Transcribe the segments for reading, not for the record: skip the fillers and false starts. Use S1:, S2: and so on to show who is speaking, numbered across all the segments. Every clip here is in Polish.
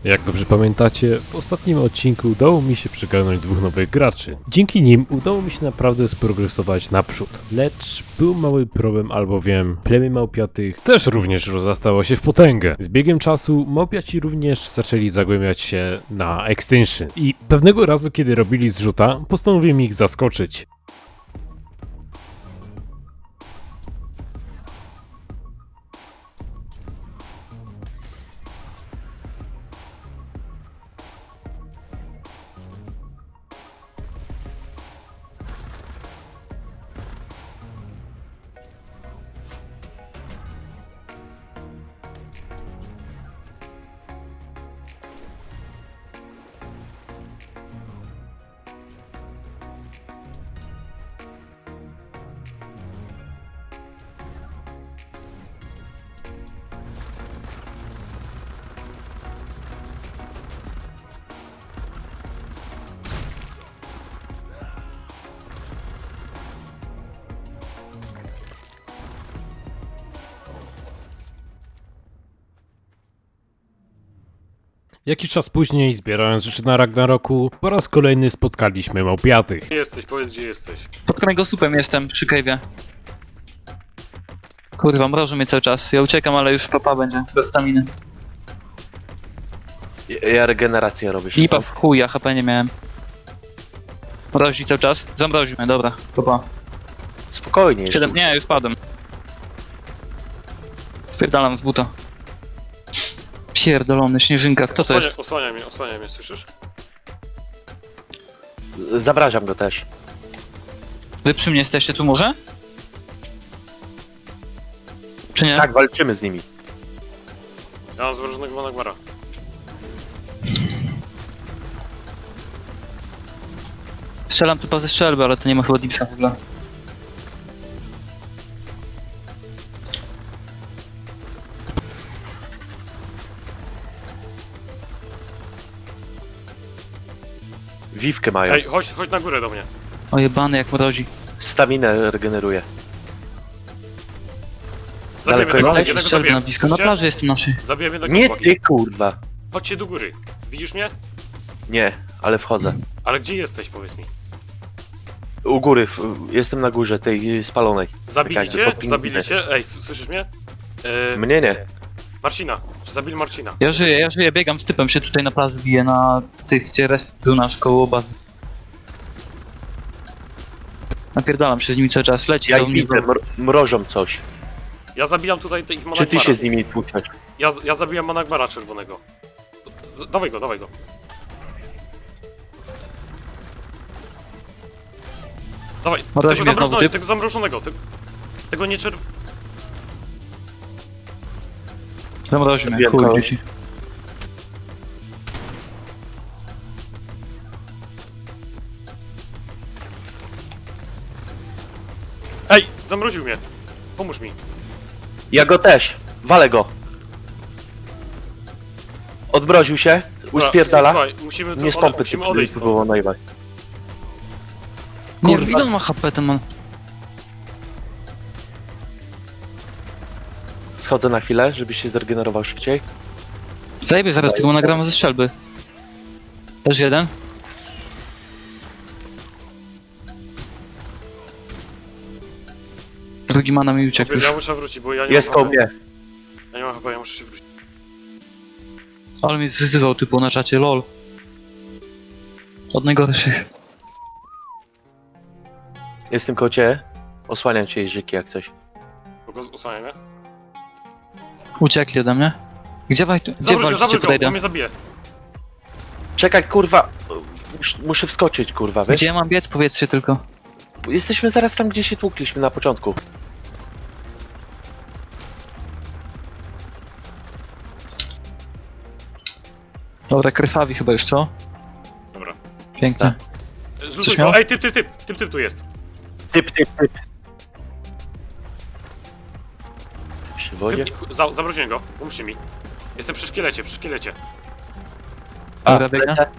S1: Jak dobrze pamiętacie, w ostatnim odcinku udało mi się przygarnąć dwóch nowych graczy. Dzięki nim udało mi się naprawdę sprogresować naprzód. Lecz był mały problem, albowiem plemię małpiatych też również rozrastało się w potęgę. Z biegiem czasu małpiaci również zaczęli zagłębiać się na Extinction. I pewnego razu, kiedy robili zrzuta, postanowiłem ich zaskoczyć. Jakiś czas później, zbierając rzeczy na Ragnaroku, po raz kolejny spotkaliśmy małpiatych.
S2: Gdzie jesteś? Powiedz, gdzie jesteś.
S3: Pod kręgosłupem jestem, przy cave'ie. Kurwa, mrożą mnie cały czas. Ja uciekam, ale już papa będzie, bez staminy.
S4: Ja regenerację robię.
S3: Lipa w chuj, ja HP nie miałem. Mrozi cały czas? Zamroził mnie, dobra, papa.
S4: Spokojnie jeszcze.
S3: 7, nie, już padłem. Spierdalam w buta. Pierdolony, śnieżynka, kto to jest?
S2: Osłaniaj mnie, słyszysz?
S4: Zabrażam go też.
S3: Wy przy mnie jesteście tu może? Czy nie?
S4: Tak, walczymy z nimi.
S2: Ja mam zmrożonego Managbara.
S3: Strzelam typa ze strzelby, ale to nie ma chyba dipsa w ogóle.
S4: Wiwkę mają.
S2: Ej, chodź na górę do mnie.
S3: O jebany jak mrozi.
S4: Staminę regeneruje.
S2: Zabijemy
S4: Daleko
S2: tego,
S4: jesteś?
S2: jednego
S3: Strzelby na
S2: zabiję.
S3: blisko, na
S2: Słyszycie?
S3: plaży jest tu naszej.
S2: Zabijemy jednego
S4: Nie
S2: chłopaki.
S4: ty, kurwa.
S2: Chodźcie do góry. Widzisz mnie?
S4: Nie, ale wchodzę.
S2: Ale gdzie jesteś, powiedz mi?
S4: U góry, jestem na górze tej spalonej.
S2: Zabili
S4: Czekaj,
S2: cię?
S4: to powinien
S2: Zabili
S4: być.
S2: cię? Ej, słyszysz mnie?
S4: Mnie nie.
S2: Marcina. Czy zabili Marcina?
S3: Ja żyję, biegam z typem, się tutaj na plaży biję, na tych, gdzie resp był nasz koło bazy. Napierdalam się z nimi cały czas, leci
S4: Ja
S3: do
S4: ich
S3: mnie.
S4: widzę, mrożą coś.
S2: Ja zabijam tutaj ich
S4: Czy
S2: Managbara.
S4: ty się z nimi tłuczesz?
S2: Ja zabijam Managbara czerwonego. Dawaj go, dawaj go. Dawaj,
S3: Mrozi
S2: tego
S3: mnie znowu,
S2: zamrożonego,
S3: typ.
S2: tego zamrożonego, tego nie
S3: Zamroził mnie,
S4: Zabiłem
S3: chuj,
S4: kogoś.
S3: dzieci.
S2: Ej, zamroził mnie. Pomóż mi.
S4: Ja go też. Walę go. Odmroził się. Uspierdala.
S2: Słuchaj, musimy,
S4: Nie z pompy,
S2: musimy odejść
S4: to
S2: stąd.
S4: było najbardziej.
S3: Nie,
S4: Kurwa.
S3: ile on ma HP ten man?
S4: Schodzę na chwilę, żebyś się zregenerował szybciej.
S3: Zajebie zaraz tego nagramy ze strzelby. Też jeden. Drugi mana mi uciekł już.
S2: Ja muszę wrócić, bo ja nie
S4: Jest
S2: mam
S4: koło
S2: HP.
S4: mnie.
S2: Ja nie mam chyba, ja muszę się wrócić.
S3: Ale mi zwyzywał typu na czacie, lol. Od najgorszych.
S4: Jestem koło ciebie. Osłaniam cię Jerzyki jak coś.
S2: Tylko osłaniaj mnie.
S3: Uciekli ode mnie. Gdzie
S2: Zabróź
S3: walczycie
S2: go,
S3: podejdę?
S2: bo mnie zabije.
S4: Czekaj, kurwa. Muszę wskoczyć, kurwa, wiesz?
S3: Gdzie ja mam biec? Powiedzcie tylko.
S4: Jesteśmy zaraz tam, gdzie się tłukliśmy na początku.
S3: Dobra, krwawi chyba już, co?
S2: Dobra.
S3: Pięknie.
S2: Zlutuj
S3: Coś miał?
S2: go. Ej, typ tu jest.
S4: Typ. Przy wodzie?
S2: Zamroziłem go, pomóżcie mi. Jestem przy szkielecie.
S3: Dobra, biegnę.
S4: lecę.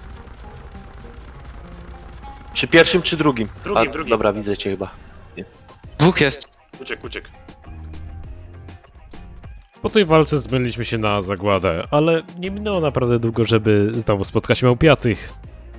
S4: Przy pierwszym czy drugim?
S2: Drugim.
S4: Dobra, widzę cię chyba.
S3: Dwóch jest.
S2: Uciekł.
S1: Po tej walce zmyliliśmy się na zagładę, ale nie minęło naprawdę długo, żeby znowu spotkać małpiatych.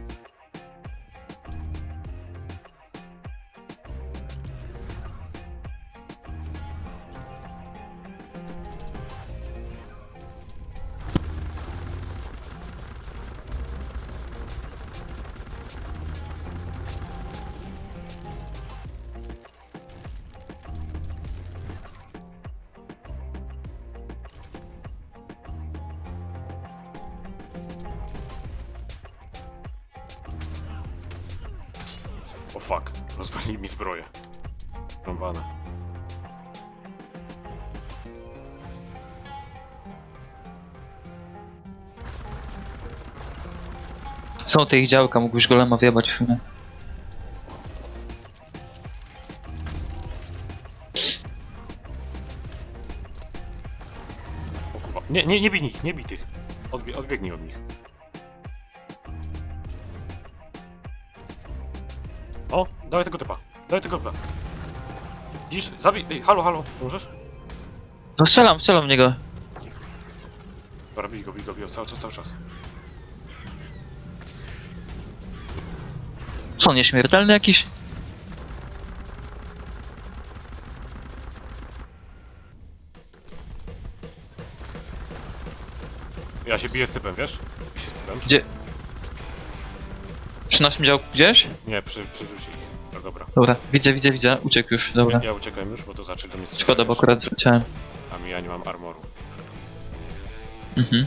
S2: O fuck, rozwalili mi zbroję. Rąbane.
S3: Są te ich działka, mógłbyś golema wjebać w sumie.
S2: O kurwa. Nie bij nich, nie bij tych. Odbiegnij od nich. O, dawaj tego typa. Dawaj tego typa. Widzisz? Zabij. Ej, halo, możesz?
S3: No strzelam w niego.
S2: Dobra, bij go, cały czas.
S3: Co, nieśmiertelny jakiś?
S2: Ja się biję z typem, wiesz? Biję się z typem.
S3: Gdzie? Przy naszym działku gdzieś?
S2: Nie, przerzuci ich. No dobra.
S3: Dobra, widzę, uciekł już, dobra.
S2: Ja uciekam już, bo to zacznie do mnie strzelać.
S3: Szkoda, bo akurat zleciałem.
S2: Ja nie mam armoru.
S3: Mhm.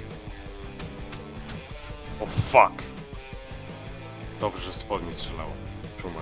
S2: O fuck! Dobrze, że spod mnie strzelało. Szumer.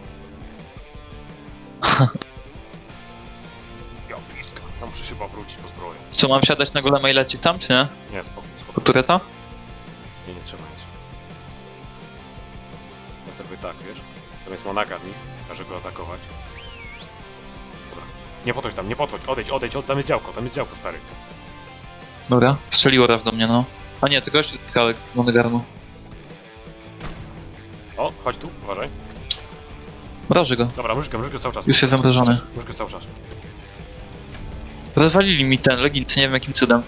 S2: Ja piska. Ja muszę się chyba wrócić po zbroję.
S3: Co, mam siadać na golema i lecieć tam, czy nie?
S2: Nie, spoko.
S3: Po tureta?
S2: Nie trzeba nic. Ja zrobię tak, wiesz? Tam jest monaga w nich. Każę go atakować. Dobra. Nie podchodź. Odejdź. Tam jest działko, stary.
S3: Dobra, strzeliło raz do mnie, no. A nie, to gość z skałek z Monegarmu.
S2: O, chodź tu, uważaj.
S3: Mroży go.
S2: Dobra, myszkę cały czas.
S3: Już jest zamrożony.
S2: Myszkę cały czas.
S3: Rozwalili mi ten legit, nie wiem jakim cudem.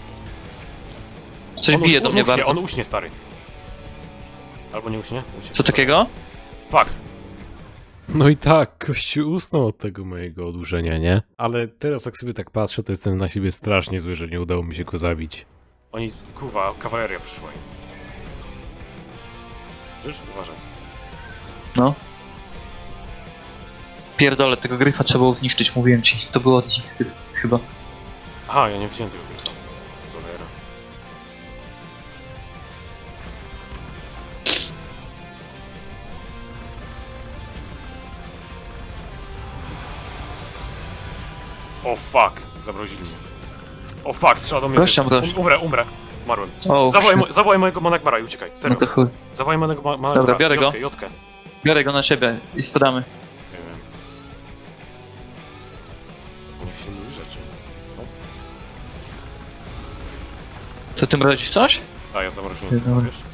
S3: Coś bije do mnie bardzo.
S2: On uśnie, stary. Albo nie uśnie?
S3: Co takiego?
S2: Fuck.
S1: No i tak, kościół usnął od tego mojego odurzenia, nie? Ale teraz jak sobie tak patrzę, to jestem na siebie strasznie zły, że nie udało mi się go zabić.
S2: Oni, kurwa, kawaleria przyszła im. Widzisz? Uważaj.
S3: No. Pierdolę, tego gryfa trzeba było zniszczyć, mówiłem ci. To było od nich chyba.
S2: Aha, ja nie widziałem tego gryfa. Cholera. O fuck, zamrozili mnie. O fuck, strzela do mnie.
S3: Gościa mrozi.
S2: Umrę. Umarłem.
S3: O,
S2: Zawołaj mojego Monagbara i uciekaj,
S3: no
S2: serio.
S3: to chuj.
S2: Zawołaj mojego Monagbara.
S3: Dobra, biorę go.
S2: Jotkę.
S3: Biorę go na siebie i spadamy.
S2: Nie wiem. Oni filmują rzeczy.
S3: To ty mrozisz coś?
S2: A, ja zamroziłem
S3: Dobra.
S2: tego, wiesz?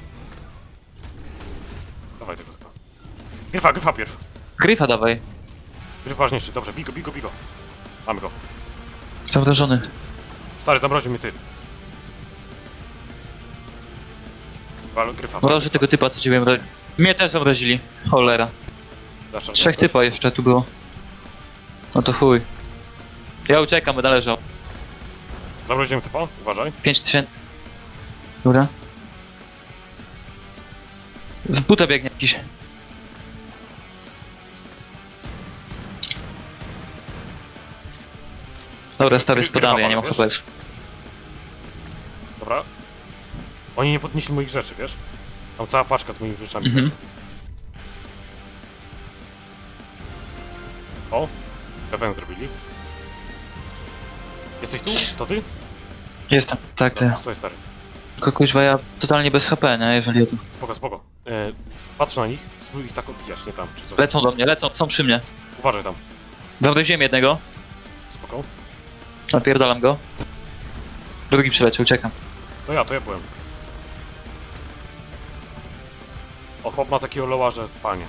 S2: Dawaj tego chyba. Gryfa pierw.
S3: Gryfa dawaj.
S2: Gryf ważniejszy, dobrze, bij go. Mamy go.
S3: Zamrożony.
S2: Stary, zamroził mnie ty. Gryfa.
S3: Mroży tego typa, co ciebie mrozi. Mnie też zamrozili. Cholera.
S2: Dasz,
S3: 3 typa jeszcze tu było. No to chuj. Ja uciekam, będę leżał.
S2: Zamroziłem typa, uważaj.
S3: 5000. Dobra. W butę biegnie jakiś. Dobra, stary, spadamy, ja nie mam
S2: Wiesz?
S3: HP już.
S2: Dobra. Oni nie podnieśli moich rzeczy, wiesz? Tam cała paczka z moimi rzeczami.
S3: Mhm.
S2: leży. O! Event zrobili. Jesteś tu? To ty?
S3: Jestem, tak, to ja.
S2: Słuchaj, stary.
S3: Tylko kuźwa, ja totalnie bez HP, nie, jeżeli o to.
S2: Spoko. Patrz na nich, spróbuj ich tak odbijać, nie tam, czy coś.
S3: Lecą do mnie, są przy mnie.
S2: Uważaj tam.
S3: Zamroziłem jednego,
S2: Spoko.
S3: napierdalam go. Drugi przyleciał, uciekam.
S2: To ja byłem. O, chłop ma takiego loła, że panie.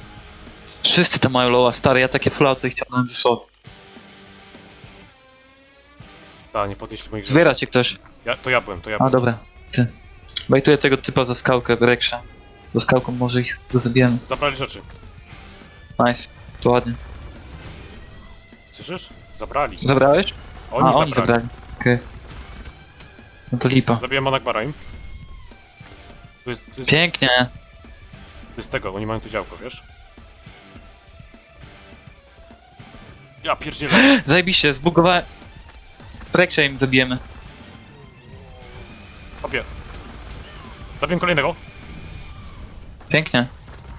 S3: Wszyscy tam mają loła, stary, ja takie flauty chciałem dosłownie.
S2: Ta, nie podnieśli moich rzeczy.
S3: Zbiera cię ktoś.
S2: To ja byłem.
S3: A, dobra. Ty. Bajtuję tego typa za skałkę, Reksza. Za skałką może ich go zabijemy.
S2: Zabrali rzeczy.
S3: Nice. To ładnie.
S2: Słyszysz? Zabrali.
S3: Zabrałeś?
S2: Oni zabrali.
S3: zabrali. Okej. No to lipa.
S2: Zabiłem Monagbara im. To jest
S3: Pięknie.
S2: tego, oni mają tu działko, wiesz? Ja pierdzielę.
S3: Zajebiście, zbugowałem. Reksza im zabijemy.
S2: Obie. Zabiłem kolejnego.
S3: Pięknie.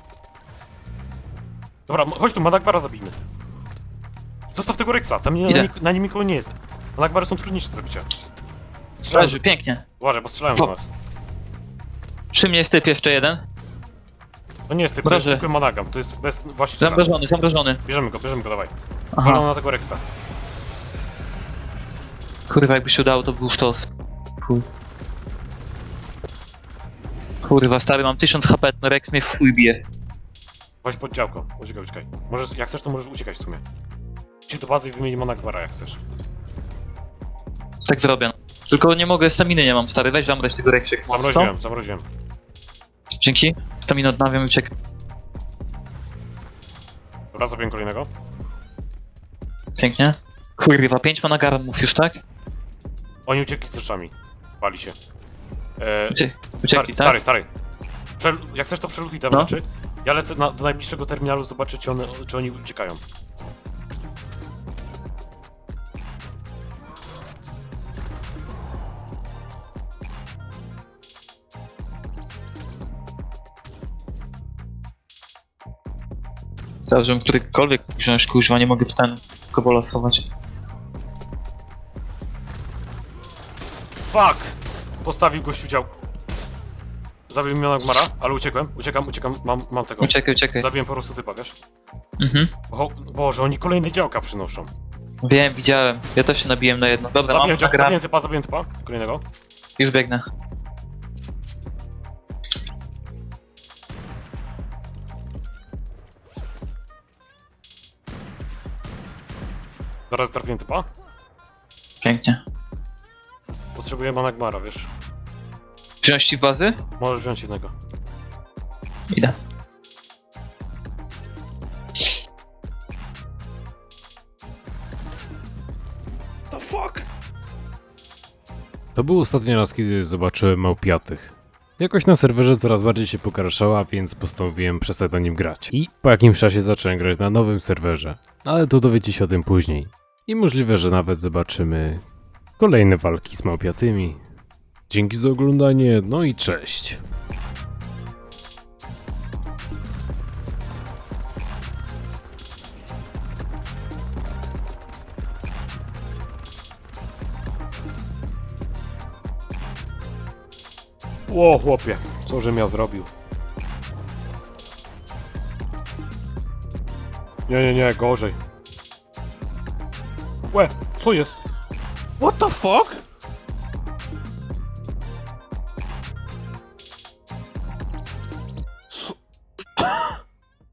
S2: Dobra, chodź tu, Monagbara zabijmy. Zostaw tego Rexa, tam
S3: Idę.
S2: na nim nikogo nie jest. Monagbary są trudniejsze do zabicia. Strzelają.
S3: Leży, pięknie.
S2: Uważaj, bo strzelają do nas.
S3: Przy mnie jest typ jeszcze jeden.
S2: To nie jest typ, to jest
S3: Proszę.
S2: tylko Monagam, to jest bez właściciela.
S3: Zamrożony.
S2: Bierzemy go, dawaj.
S3: Aha.
S2: Walą na tego Rexa.
S3: Kurwa, jakby się udało, to był sztos. Chuj. Kurwa, stary, mam 1000 HP, ten Rex mnie w chuj bije.
S2: Chodź pod działko, uciekaj. Możesz, jak chcesz, to możesz uciekać w sumie. Idź do bazy i wymieni Monagbara, jak chcesz.
S3: Tak zrobię. Tylko nie mogę, staminy nie mam, stary, weź zamroź tego Rexa. jak możesz, co?
S2: Zamroziłem.
S3: Dzięki. Staminę odnawiam i uciekam.
S2: Dobra, zabiłem kolejnego.
S3: Pięknie. Kurwa, 5 managarmów już, tak?
S2: Oni uciekli z rzeczami. Bali się.
S3: Uciekli, tak?
S2: Stary. Jak chcesz, to przelutuj te
S3: No.
S2: rzeczy. Ja lecę do najbliższego terminalu, zobaczę, czy oni uciekają.
S3: Teraz, żebym którykolwiek wziąć, kurwa, nie mogę w ten kobola schować.
S2: Fuck! Postawił gościu dział. Zabiłem Monagbara, ale uciekłem. Uciekam, mam tego.
S3: Uciekaj.
S2: Zabiłem po prostu typa, wiesz?
S3: Mhm.
S2: Boże, oni kolejne działka przynoszą.
S3: Wiem, widziałem. Ja też się nabiłem na jedno. Dobra, mam nagram.
S2: Zabiłem typa, kolejnego.
S3: Już biegnę.
S2: Zaraz trafiłem typa.
S3: Pięknie.
S2: Potrzebuję Monagbara, wiesz?
S3: Wziąć ci bazy?
S2: Możesz wziąć jednego.
S3: Idę.
S2: The fuck?
S1: To był ostatni raz, kiedy zobaczyłem małpiatych. Jakoś na serwerze coraz bardziej się pokarszała, więc postanowiłem przestać na nim grać. I po jakimś czasie zacząłem grać na nowym serwerze. Ale to dowiecie się o tym później. I możliwe, że nawet zobaczymy kolejne walki z małpiatymi. Dzięki za oglądanie, no i cześć.
S2: Ło, chłopie, co żem ja zrobił? Nie, gorzej. Łe, co jest? What the fuck?